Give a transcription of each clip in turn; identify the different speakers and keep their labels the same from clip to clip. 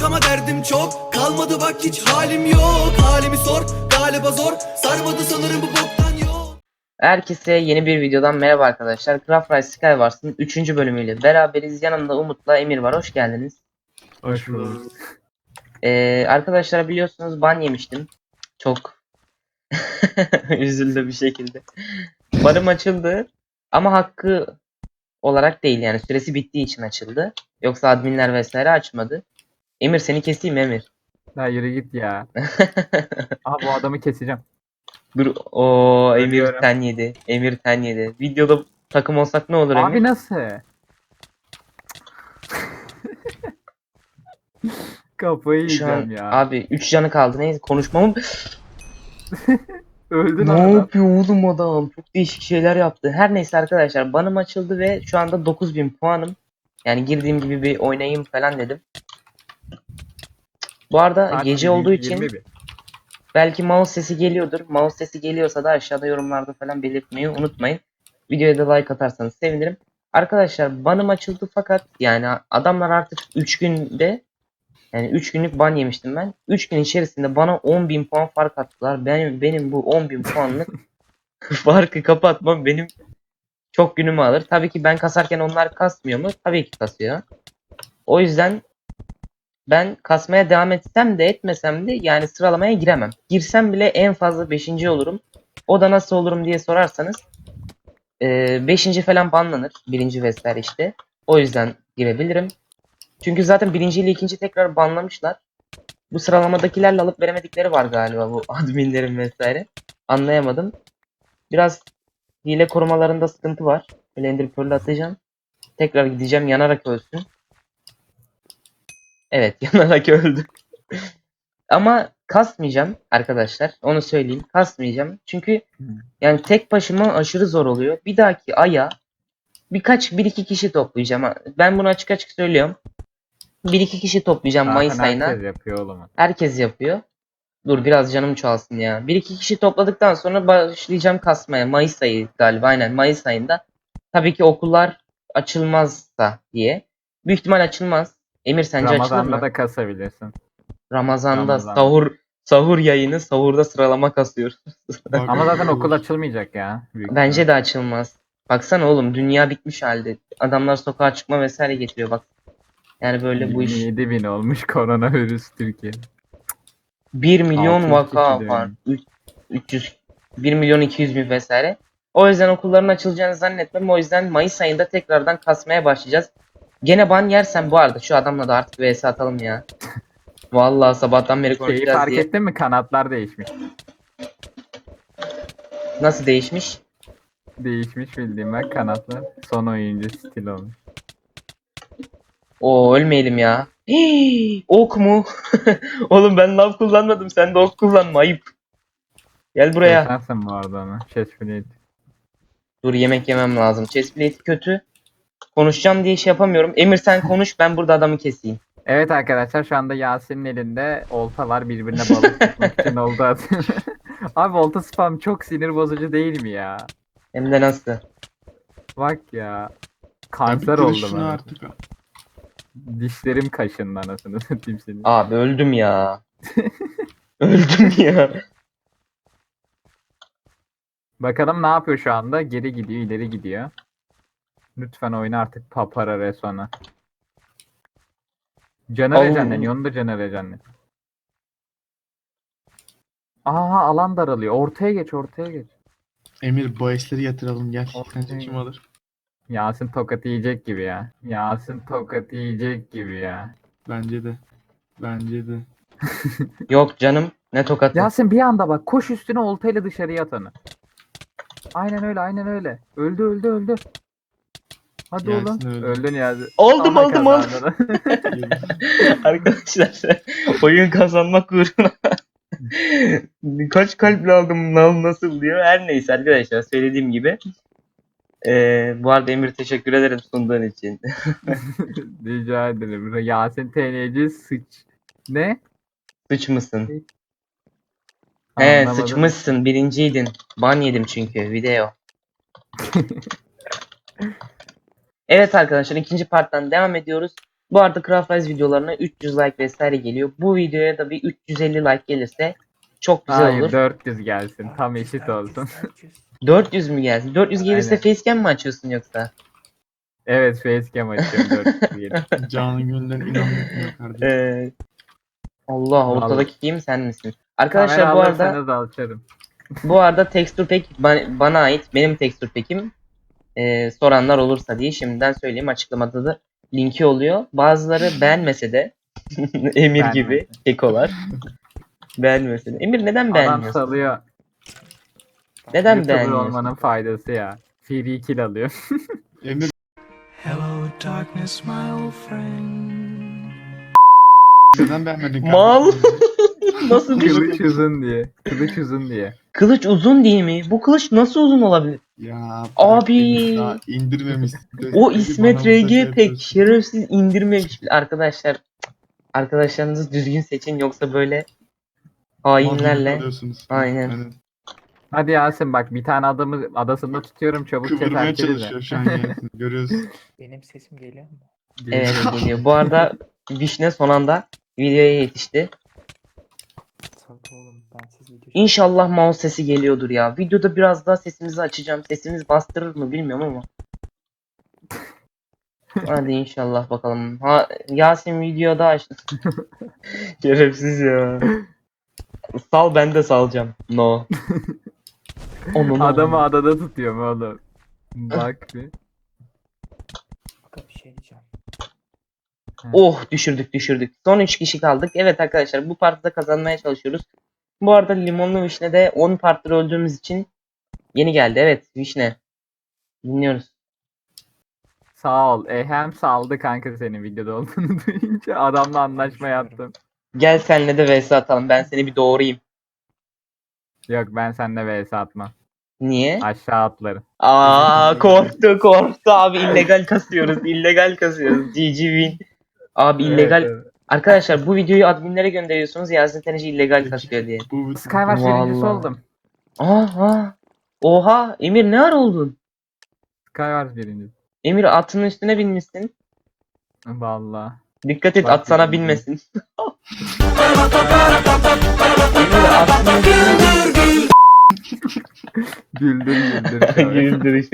Speaker 1: ama derdim çok. Kalmadı bak hiç halim yok. Halimi sor galiba zor. Sarmadı sanırım bu boktan yok.
Speaker 2: Herkese yeni bir videodan merhaba arkadaşlar. Craft Rise Skywars'ın 3. bölümüyle beraberiz. Yanımda Umut'la Emir var. Hoş geldiniz.
Speaker 3: Hoş bulduk.
Speaker 2: Arkadaşlar biliyorsunuz ban yemiştim. Çok üzüldü bir şekilde. Banım açıldı ama hakkı olarak değil, yani süresi bittiği için açıldı. Yoksa adminler vesaire açmadı. Emir seni keseyim mi Emir?
Speaker 3: Ya yürü git ya. Aha bu adamı keseceğim.
Speaker 2: Dur, o Emir
Speaker 3: Ölüyorum.
Speaker 2: ten yedi. Emir ten yedi. Videoda takım olsak ne olur Emir?
Speaker 3: Abi nasıl? Kafayı
Speaker 2: Şu
Speaker 3: yiyeceğim
Speaker 2: an
Speaker 3: ya.
Speaker 2: abi 3 canı kaldı. Neyse konuşmamı...
Speaker 3: Öldün
Speaker 2: Ne
Speaker 3: adam.
Speaker 2: yapıyor oğlum adam? Çok değişik şeyler yaptı. Her neyse arkadaşlar, banım açıldı ve şu anda 9000 puanım. Yani girdiğim gibi bir oynayayım falan dedim. Bu arada
Speaker 3: Kaç?
Speaker 2: gece olduğu için
Speaker 3: 21.
Speaker 2: belki mouse sesi geliyordur. Mouse sesi geliyorsa da aşağıda yorumlarda falan belirtmeyi unutmayın. Videoya da like atarsanız sevinirim. Arkadaşlar banım açıldı fakat yani adamlar artık 3 günde, yani 3 günlük ban yemiştim ben. 3 gün içerisinde bana 10.000 puan fark attılar. Benim bu 10.000 puanlık farkı kapatmam benim çok günümü alır. Tabii ki ben kasarken onlar kasmıyor mu? Tabii ki kasıyor. O yüzden ben kasmaya devam etsem de etmesem de yani sıralamaya giremem. Girsem bile en fazla 5. olurum. O da nasıl olurum diye sorarsanız 5. falan banlanır. 1. vesaire işte. O yüzden girebilirim. Çünkü zaten 1. ile 2. tekrar banlamışlar. Bu sıralamadakilerle alıp veremedikleri var galiba, bu adminlerin vesaire. Anlayamadım. Biraz hile korumalarında sıkıntı var. Böyle Ender Pearl'ü atacağım. Tekrar gideceğim, yanarak ölsün. Evet, yanarak öldü. Ama kasmayacağım arkadaşlar. Onu söyleyeyim. Kasmayacağım. Çünkü yani tek başıma aşırı zor oluyor. Bir dahaki aya bir iki kişi toplayacağım. Ben bunu açık açık söylüyorum. Bir iki kişi toplayacağım
Speaker 3: Zaten
Speaker 2: Mayıs ayına.
Speaker 3: herkes yapıyor oğlum.
Speaker 2: Herkes yapıyor. Dur biraz canım çoğalsın ya. Bir iki kişi topladıktan sonra başlayacağım kasmaya. Mayıs ayı galiba, aynen Mayıs ayında. Tabii ki okullar açılmazsa diye. Büyük ihtimal açılmaz. Emir sence açılır
Speaker 3: Ramazan'da
Speaker 2: mı?
Speaker 3: da kasabilirsin.
Speaker 2: Ramazan'da
Speaker 3: Ramazan'da.
Speaker 2: sahur yayını, sahurda sıralama kasıyoruz.
Speaker 3: Ama zaten okul açılmayacak ya. Büyük ihtimal.
Speaker 2: Bence de açılmaz. Baksana oğlum, dünya bitmiş halde. Adamlar sokağa çıkma vesaire getiriyor bak. Yani böyle bu iş.
Speaker 3: 27.000 olmuş koronavirüs Türkiye.
Speaker 2: 1 milyon
Speaker 3: 600 kişi
Speaker 2: vaka
Speaker 3: de
Speaker 2: var.
Speaker 3: ölmüş.
Speaker 2: 300, 1 milyon 200 bin vesaire. O yüzden okulların açılacağını zannetmem. O yüzden Mayıs ayında tekrardan kasmaya başlayacağız. Gene ban yersem bu arada şu adamla da artık vs atalım ya. Vallahi sabahtan beri
Speaker 3: Şeyi
Speaker 2: konuşacağız
Speaker 3: fark
Speaker 2: diye.
Speaker 3: ettin mi? Kanatlar değişmiş.
Speaker 2: Nasıl değişmiş?
Speaker 3: Değişmiş bildiğim ben kanatlar. Son oyuncu stil olmuş.
Speaker 2: Oo, ölmeyelim ya. Hii, ok mu? Oğlum ben lav kullanmadım. Sen de ok kullanma. Ayıp. Gel buraya.
Speaker 3: Kesersin bu arada onu. Chestplate.
Speaker 2: Dur, yemek yemem lazım. Chestplate kötü. Konuşacağım diye şey yapamıyorum. Emir sen konuş, ben burada adamı keseyim.
Speaker 3: Evet arkadaşlar şu anda Yasin'in elinde olta var, birbirine balık tutmak için olta atıyor. Abi olta spam çok sinir bozucu değil mi ya?
Speaker 2: Hem de nasıl?
Speaker 3: Bak ya.
Speaker 4: Abi
Speaker 3: Kanser
Speaker 4: kırış
Speaker 3: oldum
Speaker 4: şunu
Speaker 3: anasını.
Speaker 4: artık.
Speaker 3: Dişlerim kaşındı anasını satayım seni.
Speaker 2: Abi öldüm ya. Öldüm ya.
Speaker 3: Bakalım ne yapıyor şu anda? Geri gidiyor, ileri gidiyor. Lütfen oyna artık Papara Resona. Canı
Speaker 2: Allah.
Speaker 3: rejenleniyor, onu da canı rejenleniyor. Aha alan daralıyor. Ortaya geç, ortaya geç.
Speaker 4: Emir bahisleri yatıralım gel.
Speaker 3: Ortaya
Speaker 4: Sence kim alır?
Speaker 3: Yasin tokat yiyecek gibi ya. Yasin tokat yiyecek gibi ya.
Speaker 4: Bence de. Bence de.
Speaker 2: Yok canım. Ne tokatı.
Speaker 3: Yasin bir anda bak koş üstüne oltayla dışarıya at onu. Aynen öyle aynen öyle. Öldü öldü öldü. Hadi
Speaker 4: Yasin
Speaker 3: oğlum.
Speaker 4: öldü.
Speaker 3: Öldün Yasin.
Speaker 2: Aldım,
Speaker 3: Aha
Speaker 2: aldım, aldım.
Speaker 3: kazandın.
Speaker 2: Arkadaşlar oyun kazanmak uğruna kaç kalple aldım lan nasıl diyor. Her neyse arkadaşlar, söylediğim gibi. Bu arada Emir teşekkür ederim sunduğun için.
Speaker 3: Rica ederim. Yasin TNC sıç. Ne?
Speaker 2: Sıç mısın? He,
Speaker 3: Anlamadım.
Speaker 2: sıçmışsın, birinciydin. Ban yedim çünkü video. Evet arkadaşlar, ikinci parttan devam ediyoruz. Bu arada Craft Rise videolarına 300 like vesaire geliyor. Bu videoya da bir 350 like gelirse çok güzel
Speaker 3: Hayır
Speaker 2: olur.
Speaker 3: 400 gelsin. Tam eşit olsun.
Speaker 2: 400 mü gelsin? 400 gelirse
Speaker 3: Aynen.
Speaker 2: facecam mi açıyorsun yoksa?
Speaker 3: Evet facecam açıyorum 400 gelsin.
Speaker 4: Canın gönülden inanmıyor kardeşim.
Speaker 2: Allah
Speaker 3: Vallahi.
Speaker 2: ortadaki kim sen misin? Arkadaşlar
Speaker 3: Kamera
Speaker 2: bu arada
Speaker 3: alırsanız açarım.
Speaker 2: texture pack bana ait. Benim texture pack'im. Soranlar olursa diye şimdiden söyleyeyim, açıklamada da linki oluyor. Bazıları beğenmese de Emir gibi
Speaker 3: Beğenmese.
Speaker 2: kekolar beğenmese de. Emir neden
Speaker 3: Adam
Speaker 2: beğenmiyorsun?
Speaker 3: salıyor.
Speaker 2: Neden
Speaker 3: YouTuber
Speaker 2: beğenmiyorsun?
Speaker 3: olmanın faydası ya. Free kill alıyor.
Speaker 4: Emir
Speaker 1: Hello darkness my old friend.
Speaker 4: neden beğenmedin kardeşim?
Speaker 2: Mal. Nasıl düştü?
Speaker 3: Kılıç uzun diye. Kılıç uzun diye.
Speaker 2: Kılıç uzun değil mi? Bu kılıç nasıl uzun olabilir?
Speaker 4: Ya
Speaker 2: Abi.
Speaker 4: Emir daha indirmemiş.
Speaker 2: O
Speaker 4: Emir
Speaker 2: İsmet
Speaker 4: bana burada şey
Speaker 2: RG pek
Speaker 4: yapıyorsun.
Speaker 2: şerefsiz indirmemiş. Arkadaşlar, arkadaşlarınızı düzgün seçin, yoksa böyle
Speaker 4: Mağduriyet
Speaker 2: hainlerle.
Speaker 4: alıyorsunuz.
Speaker 2: Aynen.
Speaker 3: Hadi Yasin bak bir tane adamı adasında tutuyorum çabuk
Speaker 4: Kıvırmaya
Speaker 3: keser de.
Speaker 4: çalışıyor şu an Yasin. Görüyoruz.
Speaker 5: Benim sesim geliyor mu?
Speaker 2: Evet geliyor. Bu arada Vişne son anda videoya yetişti.
Speaker 5: Tabii oğlum ben siz video
Speaker 2: İnşallah mouse sesi geliyordur ya. Videoda biraz daha sesimizi açacağım. Sesimiz bastırır mı bilmiyorum ama. Hadi inşallah bakalım. Ha, Yasin videoda açtı. Şerefsiz ya. Sal, ben de salacağım. No. Onu
Speaker 3: Adamı adada tutuyorum oğlum. Bak bir.
Speaker 5: Fakat bir şey diyeceğim.
Speaker 2: Oh, düşürdük. Son 3 kişi kaldık. Evet arkadaşlar, bu partide kazanmaya çalışıyoruz. Bu arada limonlu vişne de 10 partide öldüğümüz için yeni geldi. Evet vişne. Dinliyoruz.
Speaker 3: Sağ ol. Hem saldı kanka senin videoda olduğunu duyunca adamla anlaşma yaptım.
Speaker 2: Gel senle de vs atalım. Ben seni bir doğrayayım.
Speaker 3: Yok ben seninle vs atmam.
Speaker 2: Niye?
Speaker 3: Aşağı atlarım.
Speaker 2: Korktu abi, illegal kasıyoruz. GG win. Abi illegal.
Speaker 3: Evet, evet.
Speaker 2: Arkadaşlar bu videoyu adminlere gönderiyorsunuz, Yasin Teneci illegal kasıyor diye.
Speaker 4: Bu
Speaker 3: Skywars birincisi
Speaker 2: Vallahi.
Speaker 3: oldum.
Speaker 2: Aha. Oha Emir, ne ara oldun?
Speaker 3: Skywars birincisi.
Speaker 2: Emir atının üstüne binmişsin.
Speaker 3: Vallahi.
Speaker 2: Dikkat et,
Speaker 3: Bak
Speaker 2: at sana
Speaker 3: dedim.
Speaker 2: binmesin. Emir atının üstüne
Speaker 3: Güldür.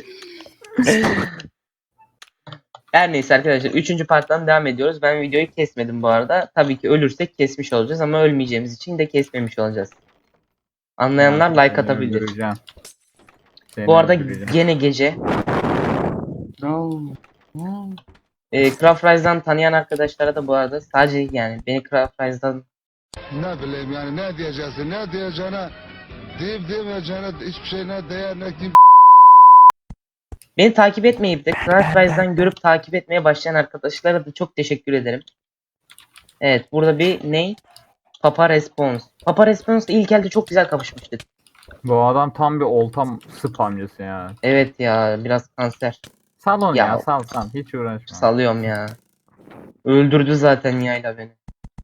Speaker 2: Her neyse arkadaşlar, 3. parttan devam ediyoruz. Ben videoyu kesmedim bu arada. Tabii ki ölürsek kesmiş olacağız ama ölmeyeceğimiz için de kesmemiş olacağız. Anlayanlar like atabilir. Bu arada gene gece.
Speaker 4: No.
Speaker 2: Craft Rise'dan tanıyan arkadaşlara da bu arada, sadece yani beni Craft Rise'dan
Speaker 6: Ne bileyim yani ne diyeceksin ne diyeceğine deyip demeyeceğine hiçbir şeyine değer ne kim
Speaker 2: beni takip etmeyip de Craft Rise'dan görüp takip etmeye başlayan arkadaşlara da çok teşekkür ederim. Evet, burada bir ney? Papa Response. Papa Response'la ilk elde çok güzel kapışmıştık.
Speaker 3: Bu adam tam bir oltam spamcısı ya.
Speaker 2: Evet ya, biraz kanser.
Speaker 3: Sal onu
Speaker 2: Ya.
Speaker 3: ya sal. Hiç uğraşma.
Speaker 2: Salıyorum ya. Öldürdü zaten yayla beni.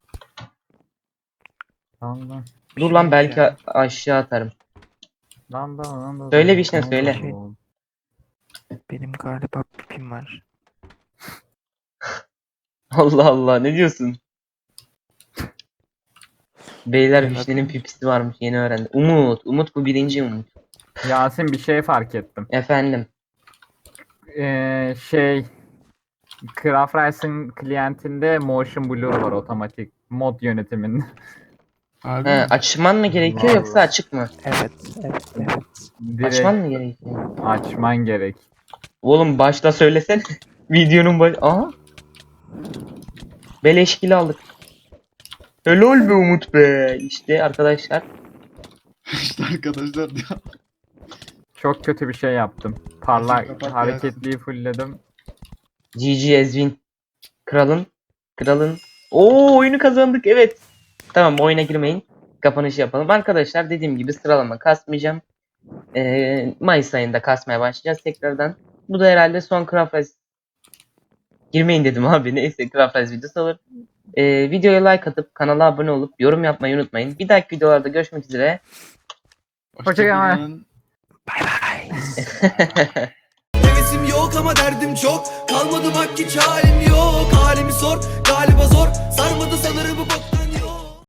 Speaker 3: Sal lan.
Speaker 2: Dur lan, belki aşağı atarım.
Speaker 3: Lan.
Speaker 2: Söyle Vişne, söyle.
Speaker 5: Benim galiba pipim var.
Speaker 2: Allah Allah, ne diyorsun? Beyler,
Speaker 5: Evet.
Speaker 2: Vişne'nin pipisi varmış, yeni öğrendim. Umut bu birinci Umut.
Speaker 3: Yasin bir şey fark ettim.
Speaker 2: Efendim.
Speaker 3: Craft Rise'ın klientinde motion blur var otomatik mod yönetiminde.
Speaker 4: Abi
Speaker 2: He, açman mı gerekiyor yoksa
Speaker 3: Vallahi.
Speaker 2: açık mı?
Speaker 5: Evet.
Speaker 3: Direkt
Speaker 2: Açman mı gerekiyor?
Speaker 3: açman gerek.
Speaker 2: Oğlum başta söylesene. Videonun baş... Aha. Beleşkili aldık. Helal be Umut be. İşte arkadaşlar.
Speaker 4: işte arkadaşlar diyor.
Speaker 3: Çok kötü bir şey yaptım. Parlak
Speaker 4: Kapat
Speaker 3: hareketliyi fullledim.
Speaker 2: GG Ezvin. Kralın. Oo, oyunu kazandık, evet. Tamam, oyuna girmeyin. Kapanışı yapalım. Arkadaşlar dediğim gibi sıralama kasmayacağım. Mayıs ayında kasmaya başlayacağız tekrardan. Bu da herhalde son Craft Rise. Girmeyin dedim abi. Neyse, Craft Rise videosu olur. Videoya like atıp kanala abone olup yorum yapmayı unutmayın. Bir dahaki videolarda görüşmek üzere.
Speaker 3: Hoşçakalın.
Speaker 4: Hoşçakalın.
Speaker 5: Bye bye.
Speaker 1: Hevesim yok ama derdim çok. Kalmadı bak hiç halim yok. Halimi sor galiba zor.